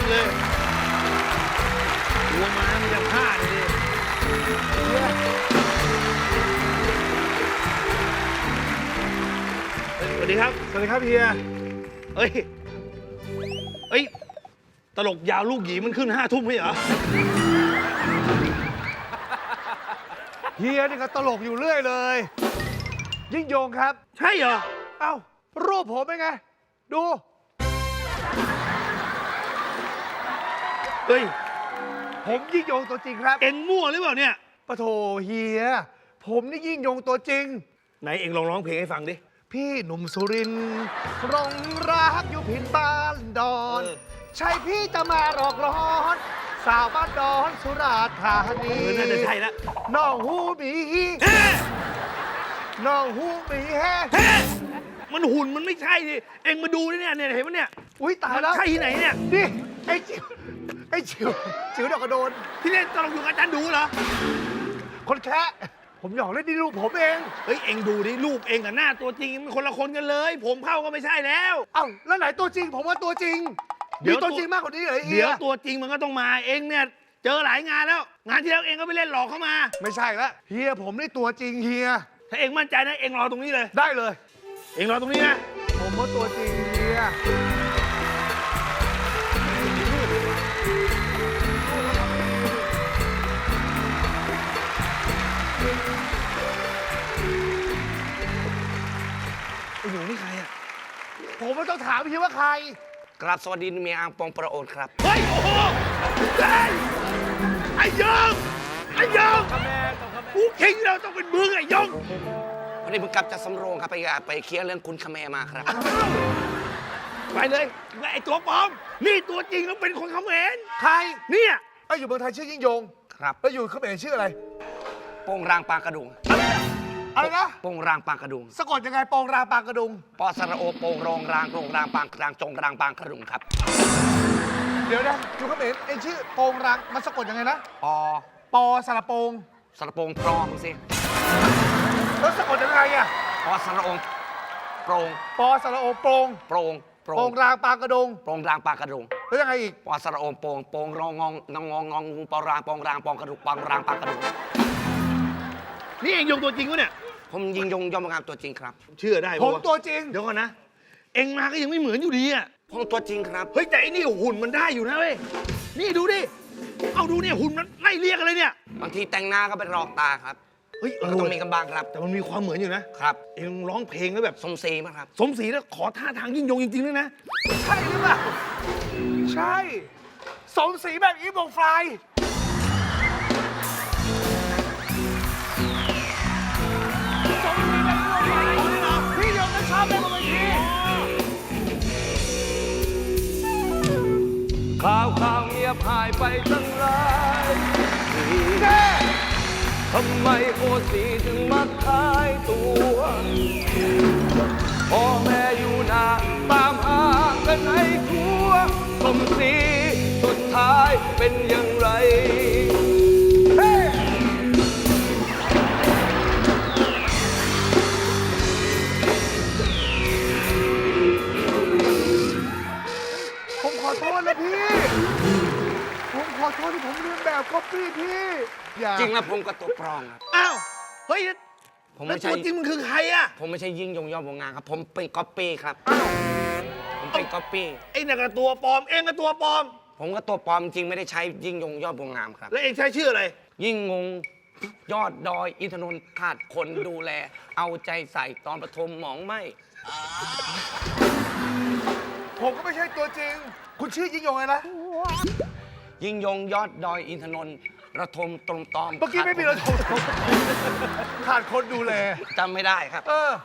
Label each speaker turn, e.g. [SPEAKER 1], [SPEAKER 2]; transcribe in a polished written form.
[SPEAKER 1] เลยหัวม้ามันจะพลาดเลยสวัสดีครับ
[SPEAKER 2] สวัสดีครับเฮีย
[SPEAKER 1] เอ้ย ตลกยาวลูกหยีมันขึ้น5 ทุ่มไม่เหรอ
[SPEAKER 2] เฮียนี่ก็ตลกอยู่เรื่อยเลย ยิ่งยงครับ
[SPEAKER 1] ใช่เหรอ
[SPEAKER 2] เอ้า รูปผมเป็นไง ดู
[SPEAKER 1] เฮ้ย
[SPEAKER 2] ผมยิ่งยงตัวจริงครับ
[SPEAKER 1] เอ็งมั่วหรือเปล่าเนี่ย
[SPEAKER 2] ปะโถเฮีย ผมนี่ยิ่งยงตัวจริง
[SPEAKER 1] ไหนเอ็งลองร้องเพลงให้ฟังดิ
[SPEAKER 2] พี่หนุ่มสุรินทร์รงรักอยู่พินบ้านดอน ใช่พี่จะมาหลอกล้อน สาวบ้านดอนสุราษฎร์ธานี
[SPEAKER 1] น่าจะใช่แล้ว
[SPEAKER 2] น้องหูหมี
[SPEAKER 1] เฮ้
[SPEAKER 2] น้องหูหมีแฮ
[SPEAKER 1] เฮ้มันหุ่นมันไม่ใช่ดิ เอ็งมาดูดิเนี่ยเห็นไหมเนี่ย
[SPEAKER 2] อุ้ยตายแล้ว
[SPEAKER 1] ใช่ที่ไหนเนี่ย
[SPEAKER 2] นี่ไอ้จิ๋วไอ้จิ๋วจิ๋วดอกกระโดน
[SPEAKER 1] ที่เล่นตลกอยู่กับอาจารย์ดูเหรอ
[SPEAKER 2] คนแค่ผมหยอกเล่นนี่ลูกผมเอง
[SPEAKER 1] เฮ้ย เอ็งดูดิรูปเอ็งกับหน้าตัวจริงมันคนละคนกันเลย ผมเข้าก็ไม่ใช่แล้ว
[SPEAKER 2] เอ้าแล้วไหนตัวจริง ผมว่าตัวจริง
[SPEAKER 1] เดี๋
[SPEAKER 2] มี
[SPEAKER 1] ยว
[SPEAKER 2] ตัวจริงมากกว่านี้เหรอ
[SPEAKER 1] เดี๋ยวตัวจริงมันก็ต้องมา เอ็งเนี่ยเจอหลายงานแล้ว งานที่แล้วเอ็งก็ไปเล่นหลอกเข้ามา
[SPEAKER 2] ไม่ใช่ละเฮียผมนี่ตัวจริงเฮีย
[SPEAKER 1] ถ้าเอ็งมั่นใจนะเอ็งรอตรงนี้เลย
[SPEAKER 2] ได้เลย
[SPEAKER 1] เอ็งรอตรงนี้นะ
[SPEAKER 2] ผมว่าตัวจริงเฮีย
[SPEAKER 1] ไอ้หนูนี่ใครอ่ะ
[SPEAKER 2] ผมไม่ต้องถามเฮียว่าใคร
[SPEAKER 3] กราบสวัสดีเมียอังปองประโอนครับ
[SPEAKER 1] เฮ้ย โอ้โหเฮ้ยไอ้ยงไอ้ยงกูคิงเราต้องเป็นมึงไอ้ยง
[SPEAKER 3] วันนี้ผมกลับจากสำโรงครับไปเคลียร์เรื่องคุณคาแมมาครับ
[SPEAKER 1] ไปเลยไอ้ตัวปลอม นี่ตัวจริงแล้วเป็นคนเขมร
[SPEAKER 2] ใคร
[SPEAKER 1] เนี่ย
[SPEAKER 2] ไอ้อยู่เมืองไทยชื่อยิ่งยง
[SPEAKER 3] ครับ
[SPEAKER 2] แล้วอยู่เขมรชื่ออะไร
[SPEAKER 3] โป่งรางปางกระดุง
[SPEAKER 2] อะไรนะ
[SPEAKER 3] โป่งรางปางกระดุง
[SPEAKER 2] สะกดยังไงปองราปางกระดุง
[SPEAKER 3] ปอสระโอโป่งรองรางโรงรางปางกลางจงรางปางกระดุงครับ
[SPEAKER 2] เดี๋ยวนะอยู่เขมรเอ็งชื่อโปงรังมันสะกดยังไงนะ
[SPEAKER 3] ปอ
[SPEAKER 2] ปอสระโปง
[SPEAKER 3] สระโปงปลอมสิ
[SPEAKER 2] แล้วสะกดยังไงอะ
[SPEAKER 3] ปอสระโองโปร่ง
[SPEAKER 2] ปอสระโอโปง
[SPEAKER 3] โปร่งโปร่
[SPEAKER 2] โป
[SPEAKER 3] ง
[SPEAKER 2] งรางปางกระดุง
[SPEAKER 3] โปร่งรางปางกระดุง
[SPEAKER 2] แล้วยังไงอีก
[SPEAKER 3] ปอสระโอโป่งโป่งรองงองงองงองงองงูปอรางปองรางปองกระดุกปองรางปางกระดุง
[SPEAKER 1] นี่เองยงตัวจริงวะเนี่ย
[SPEAKER 3] ผมยิงยงยอมงามตัวจริงครับ
[SPEAKER 1] เชื่อได้
[SPEAKER 2] ผ
[SPEAKER 1] ปะ
[SPEAKER 2] ม
[SPEAKER 1] วะ
[SPEAKER 2] ตัวจริง
[SPEAKER 1] เดี๋ยวก่อนนะ เอ็งมาก็ยังไม่เหมือนอยู่ดีอ่ะ
[SPEAKER 3] ผมตัวจริงครับ
[SPEAKER 1] เฮ้ยแต่ไอ้นี่หุ่นมันได้อยู่นะเว้ย นี่ดูดิ เอาดูเนี่ยหุ่นมันไล่เรียกอะไรเนี่ย
[SPEAKER 3] บางทีแต่งหน้าก็เป็นรองตาครับ
[SPEAKER 1] เฮ้ย
[SPEAKER 3] ก็ต้องมีกันบ้างครับ
[SPEAKER 1] แต่มันมีความเหมือนอยู่นะ
[SPEAKER 3] ครับ
[SPEAKER 1] เอ็งร้องเพลงแล้วแบบ
[SPEAKER 3] สมศรีมั้งครับ
[SPEAKER 1] สมศรีแล้วขอท่าทางยิ่งยงจริงๆด้วยนะ
[SPEAKER 2] ใช่หรือเปล่า ใช่ สมศรีแบบอีฟวงไฟสมศรีแบบอีฟวงไฟพี่ยงก็ชอบเล่นบนเวที
[SPEAKER 4] ข่าวเงียบหายไปตั้งหลายปี
[SPEAKER 2] แน่
[SPEAKER 4] ทำไมโอสีถึงมาขายตัวพ่อแม่อยู่นาตามหากันให้ทั่วสมศรีสุดท้ายเป็นอย่างไร
[SPEAKER 2] เฮ้ผมขอโทษนะพี่ ผมขอโทษที่ผมเรียนแบบก๊อปปี้พี่ อย่า
[SPEAKER 3] จริงแล้วผมก็ตัวปลอมครับ
[SPEAKER 1] อ้าว เฮ้ย
[SPEAKER 3] ผม
[SPEAKER 1] แล้ว
[SPEAKER 3] ไม่
[SPEAKER 1] ตั
[SPEAKER 3] ใช่
[SPEAKER 1] วจริงมันคือใครอะ
[SPEAKER 3] ผมไม่ใช่ยิ่งยงยอดวงงานครับ ผมเป็นก๊อปปี้ครับ ผมเป็นก๊อปปี้
[SPEAKER 1] ไอ้นี่นก็ตัวปลอม เอ็งก็ตัวปลอม
[SPEAKER 3] ผมก็ตัวปลอมจริงไม่ได้ใช้ยิ่งยงยอดวงงามครับ
[SPEAKER 1] แล้วเอ็งใช้ชื่ออะไร
[SPEAKER 3] ยิ่งงงยอดดอยอินทนนท์ขาดคนดูแล เอาใจใส่ตอนปฐมหมองไหม
[SPEAKER 2] ผมก็ไม่ใช่ตัวจริง คุณชื่อยิ่งยงไงนะ
[SPEAKER 3] ยิ่งยงยอดดอยอินทนนท์ระทมตรมตอม
[SPEAKER 2] เมื่อกี้ไม่มีเราโทรขาดคนดูแล
[SPEAKER 3] จำไม่ได้ครับ
[SPEAKER 2] เออ